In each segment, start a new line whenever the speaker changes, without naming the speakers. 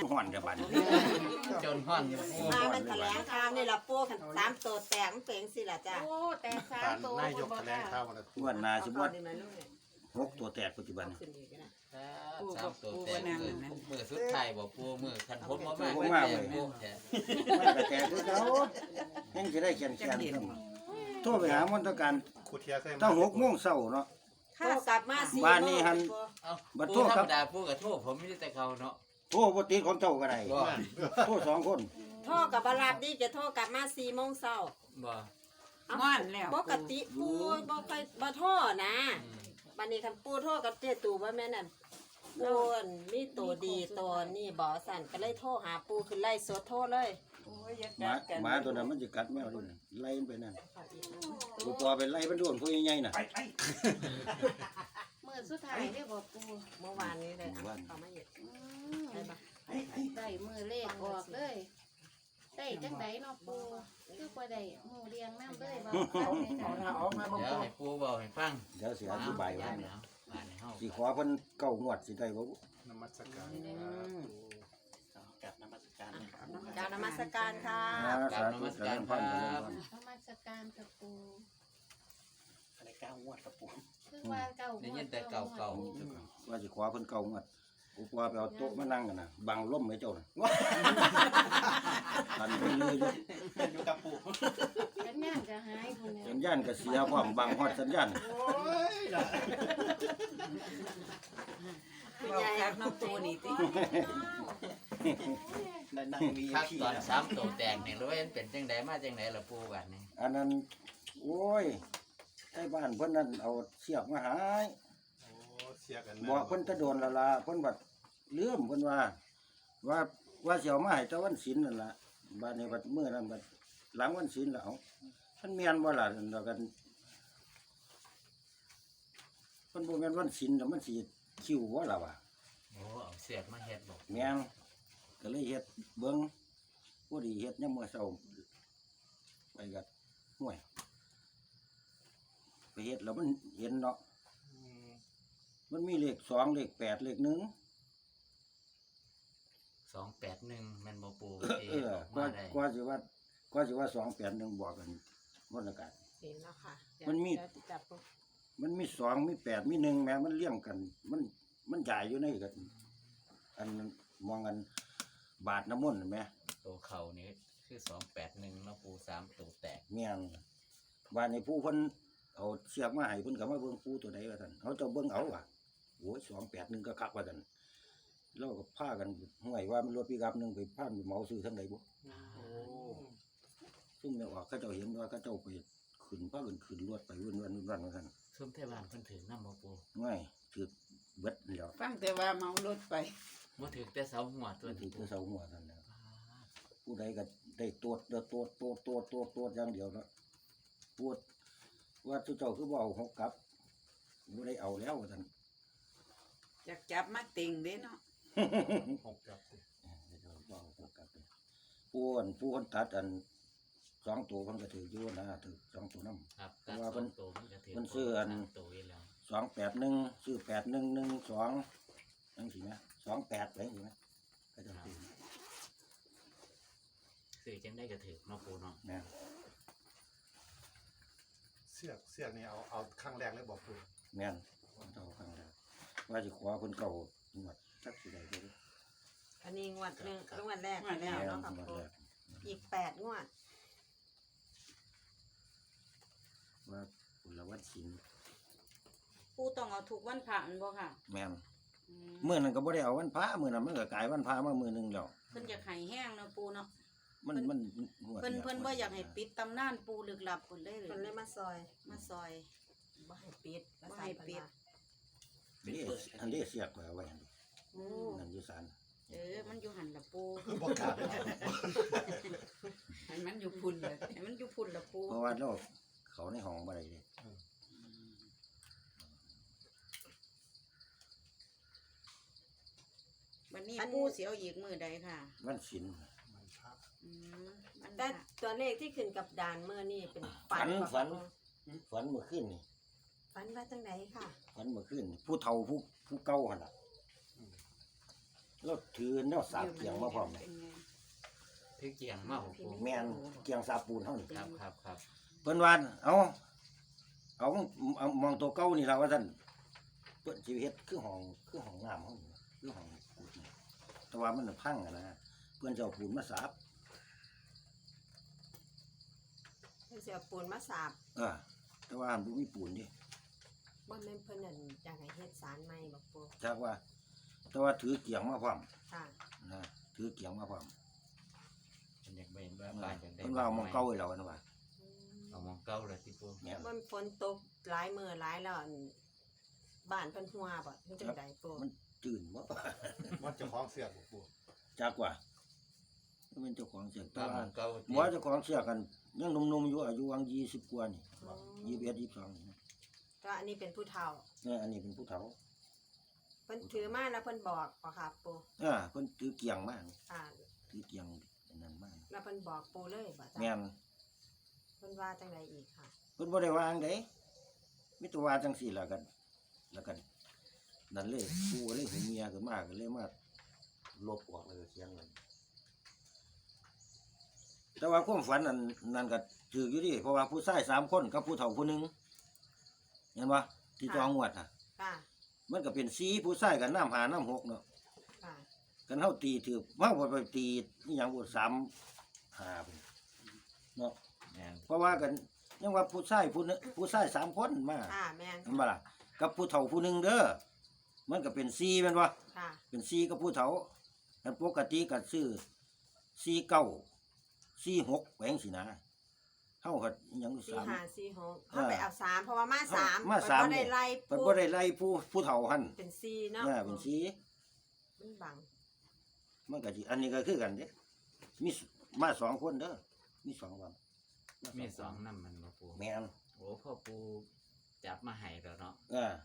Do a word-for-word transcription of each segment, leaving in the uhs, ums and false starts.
ห่อนกับบัด
จนห่อน
มามันแถลงข่าวนี่ล่ะปูคันสามตัวแตกมันเป็นสิล่ะจ้ะ
โอ้แต่สาม
การ
ตัวน
ายกแถลงข่าววัน
งวดหน้าสิบ่
นี่มาลูกเนี่ย
หกตัวแตกปัจจุบัน
ขึ้นอีกนะ
สามตัวแต่มือมือสุดท้ายบ่ปูมือคันผมบ่มา
ผม
ก็
ว่า
แต่
ไว้
ปูแท้
มันก็แตกคือเขายังสิได้แขนแขนขึ้นโทรไปหามนตการ
ขุดเทียใส่
ตั้งหกโมงเช้าเนาะ
ค่ะกลับมาสี่
บ้านนี้หัน
เอ้า
บัด
ปู
โทษ
ธร
ครั
ร
บ
มดาปูกับโทษผมไม่ได้แต่เขาเนาะ
โทรบ่ติดของเจ้าก็ได้
บ่
โทรสองคน
โทรกับบาราบดีจะโทรกลับมาสี่โมงเช้า
บ่
งอนแล้วปกติปูบ่ค่อยบ่โทรนะ
อืม
บัดนี้คันปูโทรกับเจ้ตู่ว่าแม่นั่นปูนมีตัวดีตัวนี่บ่สั่นก็เลยโทรหาปูคือไล่สดโทรเลย
หมาหมาตัวนั้นมันจะกัดแมวด้วยน่ะไล่มันไปนั่นกูปอไปไล่มันโดนผู้ใหญ่ๆน่ะ
มือสุดท้ายได้บอกปู
เมื่อวานนี้เลยอ่ะเขามาเห็น
อืม
ได้ปะ
ได้มือเลขออกเลยได้จังไดเนาะปูคือบ่ได้หมู่เรียงน้ำเลยบ่เอาให้ค่ะ
เดี๋ยวให้ปูเว้าให้ฟัง
เดี๋ยวสิอธิบายไว้
ว่า
นะ
บ้านในเฮา
สิขอเพิ่นเก้างวดสิได้บ่
นมัสการ
กับนมัสการนะครับ
กรารนมัสการค่ะ
สาธุสาธุพันธุ์พันธุ์
นมัสการกับปู
อะไรก้าวงวดกับปู่
คือว่าเก่า
ได้ยินแต่เก่าเก่า
ว่าสิขอเพิ่นเก้างวดกูปอไปเอาโต๊ะมานั่งกันน่ะบังลมให้เจ้าน่ะทันไปเลยอยู่
อยู่กับปู่
สัญญาณจะหายพุ่นเนี่ย
สัญญาณก็เสียพร้อมบังฮอดสัญญาณ
ใหญ่น้องปูนี่ติ
นั่งมี
คัก
พี่
ตอน
นะ
สามตัวแตกนี่รู้ว่ามันเป็นจังไดมาจังไดล่ะปูบัดนี้
อันนั้นโอ้ยใต้บ้านเพิ่นนั่นเอาเชือกมาหาย
โอ้เสียกัน
บอกเพิ่นจะโดนและละเพิ่นบัดลืมเพิ่นว่า ว่าว่าสิเอามาให้แตะวันศีลนั่นล่ะบัดนี้บัดมื้อนั้นบัดหลังวันศีลแล้วเอามันแม่นบ่ล่ะนั่นดอกกันเพิ่นบ่แม่นวันศีลแล้วมันสิคิวบ่ล่ะวะ
โอ้เอาเสียกมาเฮ็ดบอก
แม่นก็เลยเฮ็ดเบิ่งผู้ดีเฮ็ดยามมื้อเช้าไปก็ห่วย ไปเฮ็ดแล้วมันเห็นเนาะ มันมีเลขสองเลขแปดเลขหนึ่ง
สองแปดหนึ่งแม่นบ่ปู
เออ
ออก
กว่า
มาได้
กว่าสิว่าก็สิว่าสองแปดหนึ่งบอกกันวันละกัน
เห็นแล้วค่ะ
มันมี
เดี๋ยวจับปู
มันมีสองมีแปดมีหนึ่งแม้มันเลี่ยงกัน มันมันใหญ่อยู่ในกัน อันมองกันบาทน้ำมนต์เห็นไหม
ตัวเขานี่คือสองแปดหนึ่งแล้วปูสามตัวแตก
เมียนบาทในผู้เพิ่นเอาเสียกมาให้เพิ่นก็มาเบิ่งผู้ตัวใดว่าท่านเขาเจะเบิ่งเอาว่ะโอ้ยสองแปดหนึ่งก็คักว่าท่านเราก็พากันห่วยว่ามันรถปีกับหนึ่งไปพาไปเหมาซื้อทั้งใดบ่
โอ้
ซุ่มเนี่ยว่าเขาเจ้าเห็นว่าเขาเจ้าไปขึ้นพากันขึ้นรถไปวุ่นวันวุ่นวันว่าท่าน
ซุ่มเทวานเพิ่นถึงน้ำบ่ปู
ง่ายถือเบิดแล้ว
ฟังแต่ว่าเมารถไป
บ่ถึงแต่เสาหัวตัว
ถื
นี้
อคือเสาหัวท่านแล้วผู้ใดก็ได้ตรวจเด้อตรวจตรวจตรวจตรวจตรวจอย่างเดียวเนาะปวดว่าเจ้าคือบ่เอาหกกลับบ่ได้เอาแล้วว่าท่าน
อยากจับมาติงเด้เนาะ
หกกับสิ
เดี๋ยวบ่เอาหกกลับเลยผู้อันผู้คนตัดอันสองตัวเพิ่นก็ถืออยู่นะถือสองตัวนำ
ครับ
เพราะว่าเพิ่น
ตัวมันก็ถื
เพิ่นซื้ออัน
สามตัวอยู่แล้ว
สองแปดหนึ่งซื้อแปดหนึ่งหนึ่งสองจังสินะสองแปดไปสินะก็จะถือ
ซื้อจังได้ก็ถือเนาะปูเนาะ
นะ
เสียกเสียกนี่เอาเอาข้างแรกเลยบอกปู่
แม่นเจ้าข้างแล้วว่าสิขอเพิ่นเก่าหมดสักสิได้บ่รู้
อันนี้งวดหนึ่งงวดแรก
งวดแร
แล้ว
ก
เนาะครับ
หมด
ปู
แล้ว
อีกแปดงวด
ว่าปุรวัดศิลป์
ปูต้องเอาถูกวันพระแมันบ่ค่ะ
แม่น
อืม
มื้อนั้นก็บ่ได้เอาวันพระมื้อนั้นมันก็กลายวันพระมามื้อหนึงแล้ว
เพิ่นอยากให้แห้งเนาะปูเนาะ
มันมันงวด
เพิ่น
ย
เพิ่นบ่อยากให้ปิดตำนานปูลึกลับเพิ่นเลย
มันเลยมาซอย
มาซอย
บ่ให้ปิด
บ่ให้ปิด
นี่อันนี้เสียกไว้เอาไว้หั่น
โอ้
นั่นอยู่ศาล
เออมันอยู่หันละปู
บอกกล้าเลย
ให้มันอยู่พุ่นเลยให้มันอยู่พุ่นละปู
เพราะว่าเราเขาในห้องบ่ได้เด้
วันนี้ปูสิเอาอีกมื้อใดค่ะ
วันศิลป์
มันภาพ
อืมมัน
แต่ตัวเลขที่ขึ้นกับด่านเมื่อนี่เป็น
ฝัน
บ่
ฝัน
ครับ
ฝันเมื่อคืนนี่
ฝันว่าจังไหนค่ะ
ฝันเมื่อคืนนี่ผู้เฒ่าผู้ผู้เก่าหั่นล่ะเราถือแนวสาบเกียงมาพร้อมเลย
ถือเกียงมาบ่ปู
แม่นเกียงสาบปูนเฮานี่
ครับครับครับ
เพิ่นว่าเอาเอาเอามองตัวเก่านี่ล่ะว่าซั่นเพิ่นสิเฮ็ดคือห้องคือห้องน้ำเฮานี่คือห้องปูนนี่แต่ว่ามันน่ะพังอะนะเพิ่นจะเอาปูนมาสาบ
เพิ่นสิเอาปูนมาสาบ
เออแต่ว่าบ่มีปูนดิ
บ่แม่นเพิ่นนั่นอยากให้เฮ็ดศาลใหม่บ่ปู
จักว่า แต่ว่าถือเกียงมาพร้อม
ค่ะ
นะถือเกียงมาพร้อม
เป็นอยากไปเห็นว่า
เออ
บ้านอยากได้
เพิ่นว่าเอามองเก่าไว้แล้วนะว่า
เอามองเก่าเลยที่ปู
แม่น
มันฝนตกหลายมื้อหลายแล้วอันบ้านเพิ่นหัวบ่มันจังไดปู
มันจืดบ่
มันเจะคล้าของเสียกบ่ปู
จักว่ามันเป็นเจ้าของเสียงแต่
ตามม
ว่า
องเก่า
หมอเจ้าของเสียกันยังหนุ่มๆอยู่อายุวังยี่สิบกว่านี่ยี่สิบเอ็ดยี่สิบสองนี่
ก็อันนี้เป็นผู้เฒ่า
เนี่ยอันนี้เป็นผู้เฒ่า
เพิ่นถือมาแล้วเพิ่นบอกบ่ค่ะปู
อ่าเพิ่นถือเกียงมาก
อ่า
ถือเกียงอันนั้นมาก
แล้วเพิ่นบอกปูเลยบ่จ้ะ
แม่น
เพิ่นว่าจังไดอีกค่ะ
เพิ่นบ่ได้วางเด้มีแต่ว่าจังซี่ล่ะกันแล้วกันนั่นเลยผู้เลยหูเมียขึ้นมาก็เลยมาลบออกเลยเสียงนั้นแต่ว่าความฝันนั้นนั่นก็ถืออยู่ดิเพราะว่าผู้ชายสามคนกับผู้เฒ่าผู้หนึงเห็นบ่ที่จองงวดน่ะ
ค่ะ
มันก็เป็นสีผู้ชายกับน้ำหาน้ำหกเนาะ
ค่ะ
กันเฮาตีถือเฮาบ่ไปตีอีหยังบ่สามหาพุ่นเนาะ
แม่น
เพราะว่ากันยังว่าผู้ชายผู้นึงผู้ชายสามคนมา
ค่ะแม่น
เห็นบ่ล่ะกับผู้เฒ่าผู้หนึงเด้อมันก็เป็นสีแม่นบ่
ค่ะ
เป็นสีกับผู้เฒ่าอันปกติก็ซื้อสีเก้าสีหกแหวงสินะเฮาก็อิหยัง
สี่
สาม
ห้าสี่หกเขาไปเอาสามเพราะว่ามาสาม
มาสาม
เพิ่นบ่ได้ไล่
เพิ่น
ปู
บ่ได้ไล่ผู้ผู้เฒ่าหั่น
เป็นสี่เนาะ
เออเป็นสี
มันบัง
มันก็สิอันนี้ก็คือกันเด้มีสมาสองคนเด้อมีสองวัน
มีสองน้ำมันบ่ปู
แม่น
โอ้พ่อปูจับมาให้แล้วเนาะ
เออ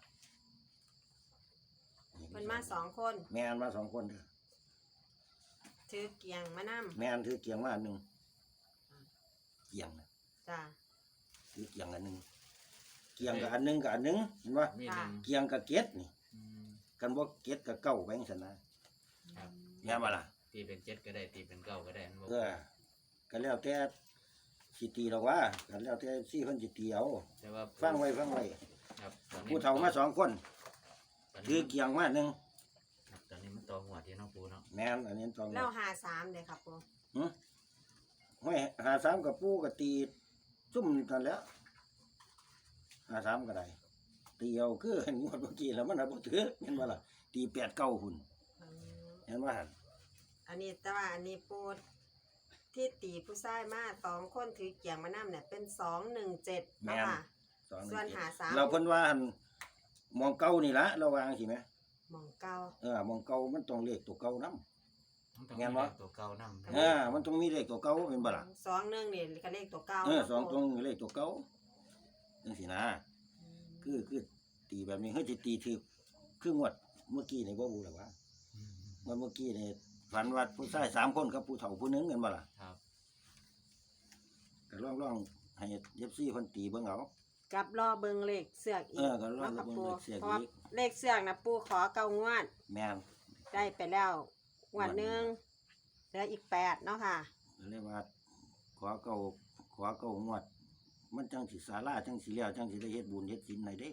เพิ่นมาสองคน
แม่นมาสองคนเด้อ
ถือเกียงมานํ
แม่นถือเกียงมาอันหนึงเกียงน่ะ
จ้ะ
ถือเกียงอันหนึงเกียงกับอันหนึงกับอันหนึงเห็นบ่
มีหนึ่ง
เกียงกับเก็ดนี่
อืม
กันบ่เก็ดกับเก้าแบงซั่นนะครับ แม่นบ่ล่ะ
ตีเป็นเจ็ดก็ได้ตีเป็นเก้าก็ได้บ่
เออก็แล้วแต่สิตีดอกว่าก็แล้วแต่สิเพิ่นสิตีเอา
แต่ว่า
ฟังไว้ฟังไว้
ครับตอนนี้
ผู้เฒ่ามาสองคน
ตอน
ถื
นี้
อเกียงมาอันหนึง
ครับตอนนี้มันต่อหัวที่เน้องปูเนาะ
แม่นอันนี้ต้อง
แล้วหาสามเลยครับปู
ห้อยหาสามกับปูก็ตีซุ่มกันแหล้วหาสามก็ได้ตีเอาคือเห็นงวดเมื่อกี้แล้วมันน่ะบ่ถือเห็นบ่ล่ะตีแปดเก้าหุ่น
อืม
เห็นว่าหั่น
อันนี้แต่ว่าอันนี้ปูที่ตีผู้ชายมาสองคนถือเกียงมานํเนี่ยเป็นสองหนึ่งเจ็ด
แม่
นะ
น
คะ
สองหนึ่ง
ส่วน
เจ็ด
หาสาม
เราเพิ่นว่าหั่นมองเก่านี่ละเราวางสิแหม
หมองเก้า
เออมองเก่ามันต้องเลขตัวเก่านำ
มันต้อง
แม่
มี
นบ่
ตัวเก่านำ
เออมันต้องมีเลขตัวเก่าเป็นบ่ล่ะ
สองหนึ่งนี่ก็เลขตัวเก้า
เออ
นะ
สอง
ปู
ตรงเลขตัวเก่าจังซี่นะ
อืม
คือคือตีแบบนี้เฮ้ยสิตีถือคืองวดเมื่อกี้นี่บ่รู้แล้วว่า
อืม
งวดเมื่อกี้นี่ฝันว่าผู้ชายสามคนกับผู้เฒ่าผู้หนึงกันบ่ล่ะ
ครับ
ก็ลองลองให้เอฟซีเพิ่นตีเบิ่งเอา
กับรอเบิงเลขเสือกอี
เอก อก็รอ
นาะครับ
เบิ่ง
ปู
เลขเสือกอีก
เพราะว่าเลขเสือกนะปูขอเก้างวด
แม่น
ได้ไปแล้วงวดหนึ่งเหลืออีกแปดเนาะค่ะ
ก็เลยว่าขอเก่าขอเก่างวด มันจังสิศาลาจังสิแล้วจังสิได้เฮ็ดบุญเฮ็ดศีลให้เด้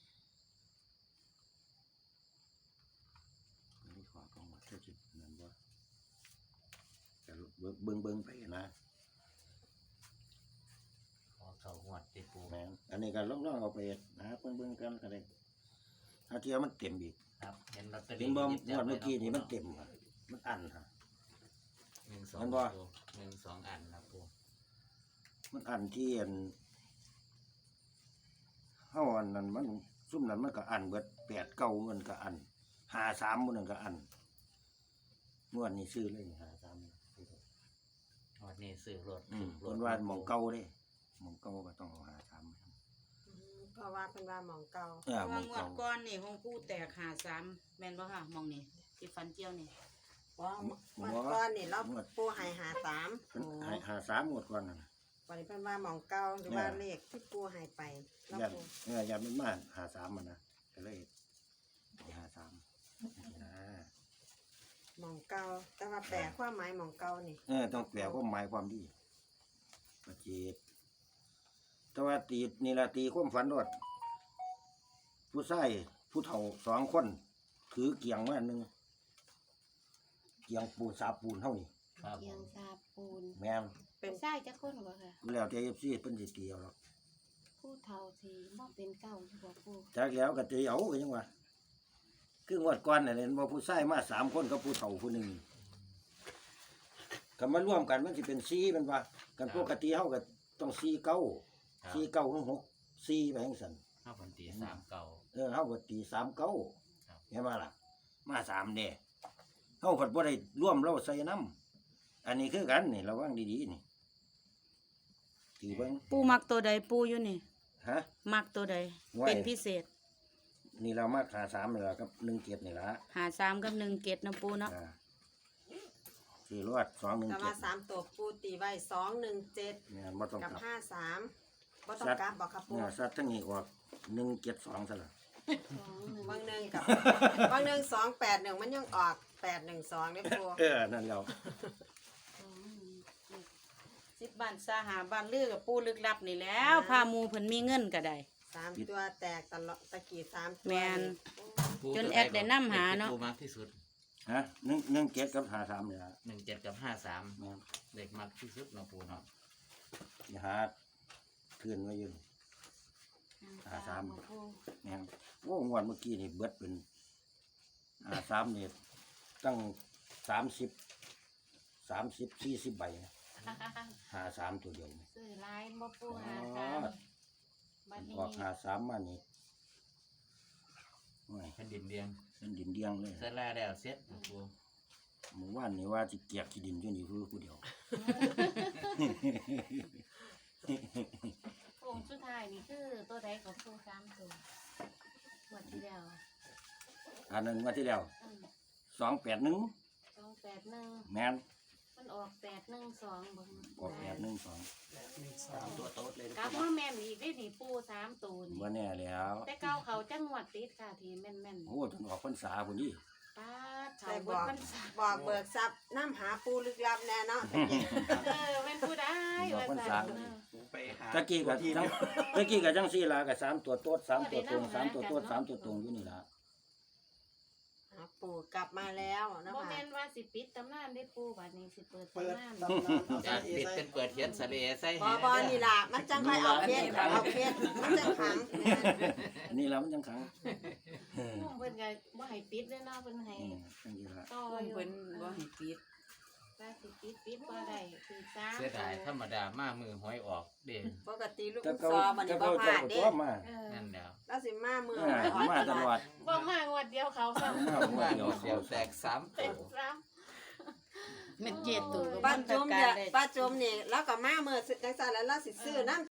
ก็เลยขอเก่างวดเท่าสินั่นบ่ก็เบิ่งเบิ่งเบิ่งไปนะ
ขอเข้าหัวติปู
แม่นอันนี้ก็ลองลองเอาไปหาเบิ่งเบิ่งกันก็ได้ถ้าเทียมันเต็มอีก
ครับเห็นลอตเตอ
เห็
รี่
นบ่
หยิบ
ง
จั
ว
บ
ด
ไว้
เมื่อกี้นี่มัน
าะ
เต็มอะมันอันฮะ
หนึ่งสอง
เห็นบ่
ปูหนึ่งสองอันนะปู
มันอันที่อันเฮาอันนั้นมันซุ่มนั้นมันก็อันเบิดแปดเก้ามันก็อันห้าสามมันก็อันงวดนี้ซื้อเลยห้าสาม
วันนี้ซื้อรถ
อืม
ร
เพิ่
ถ
นว่าหมองเก่าเด้หมองเก่าก็ต้องเอาห้าสาม
อืมเพราะว่าเป็นว่าหมองเก้า
เออหม
ว่า
อง
งว
เก่า
ดก้อนนี่ของกูแตกหาสามแม่นบ่ค่ะมองนี่ที่ฟันเจียวนี่
ว่าเมื่อก่อนนี่เราปูใหายหาสาม
เพิ่นให้ห้าสามงวดก่อนนั่นน่ะ
วันนี้เป็นว่าหมองเก้าหรือว่าเลขที่ปูใหายไปแล้ว
ยัน
ปู
เออยันมันมาห้าสามมันนะก็เลยให้ห้าสามนี่นะ
หมองเก่าแต่ว่าแปลความหมายหมองเก่านี่
เออต้องแปลความหมายความดีประเจตแต่ว่าตีนี่ละตีความฝันรอดผู้ชายผู้เฒ่าสองคนถือเกียงมาอันหนึงเกียงปูนสาปูนเท่านี้
ครับผ
เกียง
ม
ซาปูน
แม่น
เป็นไส้จักคนบ่ค่ะ
แล้วแต่เอฟซีเพิ่นสิเตียวหรอก
ผู้เฒ่าที่บ่เป็นเก่าอยู่บ่ปู
จากแล้วก็ตีเอาก็ยังว่าคืองวดก่อนน่ะเห็นว่าผู้ชายมาสามคนกับผู้เฒ่าผู้หนึ่งก็มาร่วมกันมันสิเป็นสี่มันว่ากันปกติเฮาก็ต้องสี่เก้า
ครับ
สี่เก้าถึงหกสี่ไปจังซั่น
ข้าวพันตีสามเก่า
เออเฮาก็ตีสามเก้า
ครับ
เห็นบ่ล่ะมาสามเด้เฮาเพิ่นบ่ได้ร่วมเราใส่น้ำอันนี้คือกันนี่ระวังดีๆนี่ตีเบิ่ง
ปูมักตัวใดปูอยู่นี่
ฮะ
มักตัวใด
ไว้
เป็นพิเศษ
นี่เรามาขาสามนี่ล่ะกับหนึ่งเกียรตินี่ล่ะ
หาสามกับหนึ่งเกตนะปูเนาะ
อ่าสี่รอดสองหนึ่ง
แต่
เจ็
ว่า
ด
สามตัวปูตีไว้สองหนึ่งเจ็ด
เนี่ยบ่ต้อง
กับ
กลับ
ห้าสามบ่ต้องกลับบอกครับปู
เนี่ยสัตว์ทั้งนี้ออกหนึ่งเจ็ดสองซะละ
สองหนึ่ง
บางหนึ่งกับบางหนึ่งสองแปดหนึ่งมันยังออกแปดหนึ่งสองได้ปู
เออนั่นแล้ว
สองหนึ่งเจ็ด
สิบบ้านสาหาบ้านลือกับปูลึกลับนี่แล้ว พาหมูเพิ่นมีเงินก็ได้
สามตัวแตกตลอดตะกี้สามตัว
แม่น
ปู
จน
ตัว
แอดได้นำหาเนาะ
ปูมากที่สุด
ฮะหนึ่งหนึ่งเจ็ดกับหาสามเนี่ยละ
หนึ่งเจ็ดกับห้าสาม
แม่น
เด็กมากที่สุดเนาะปูเนาะ
อย่าหาคืนไว้อยืน หาสาม
บ่ปู
แม่นโอ้งวดเมื่อกี้นี่เบิดเป็นหาสามนี่ตั้งสามสิบสามสิบสี่สิบใบนะหาสามตัวเดียวนี่
ซื้อหลายบ่ปูหา
อ๋อ
สามบัดนี้
ออกหาสามมานี่โอ้ย
แผ่นดินเดียง
เป็นดินเดียงเลย
เสร็จแล้วแล้วเสร็จนะปู
หมู่บ้านนี่ว่าสิเกียกขี้ดินอยู่นี่คือผู้เดียว
โค้งสุดท้ายนี่คือตัวใดของปูสามตัวหมดที่แล้ว
อันนั้นงว่าที่แล้ว
อืม
สองแปดหนึ่ง
สองแปดหนึ่ง
แม่น
มันออกแปดหนึ่งสองบ่
ออกแปดหนึ่งสอง
สามตัวโต๊ดเลยนะ
กลับมาแม่นอีกได้นี่ปูสามตัวนี่
ว่าแน่แล้ว
แต่เก้าเขาจังหวัดติดค่ะที่แม่นแม่น
โอ้จนออกพรรษาพุ่นนี่
ๆป้าดเขา
แต่
เบิ
บ
ด
อก
มันสา
บอกเบิกทรัพย์น้ำหาปูลึกลับแน่เนาะตะกี้
เออแม่นผู้ได้ว่าสั่นเออ
ปูไปหา
ตะกี้กับ
ที่
จัง
เนี่ย
ตะกี้กับจังสี่ลากับสามตัวโต๊ดสามตัวตรงสามตัวโต๊ดสามตัวตรงอยู่นี่ละ
หาปูกลับมาแล้วนะ
บ่
คะ
แม่นว่าสิปิดตำนานได้ปูบัดนี้สิเปิด
เปิด
ตำนาน
ตำนานเอา
จา
สาก เอ
ปิด
ใส่
เป็นเปิดเทียนสะเลใส่
บอบอนี่ล่ะมันจังค่อยเอาเพชรเอาเพชรมันจังขัง
อันนี้ละมันจังขังเออ
เพิ่นก็บ่ให้ปิดเลยเนาะเพิ่นให้
อืมจังซี่ละ
ต่ออยู่
เพิ่นบ่ให้ปิด
ว่าสิปิดปิดบ่ได้คือสาม
เสียดายธรรมดามามือหวยออกเด่น
ปกติลูก
แต่
ซ
เก่า
อมัน
แต่
นี่บ่
เก่า
พ
เจ้า
ลาด เด้
ก็ตัวมา
เออ
นั่นแล้ว
แล้วสิมามือ
เออมาตลอด
บ่มางวดเดียวเขาซ้ำ
มาหัว
ว่า
เดียว
เดียวแตกสาม
เป็
ตั
น
ว
ซ้ำ
เม็ดเจ็ดตัวก็
ป้า
มัน
จุ่ม
กา
เดี๋
ร
ยว
ได้
ป้าจุ่มนี่แล้วก็มามือจังซั่นแล้วเราสิซื้อน้ำ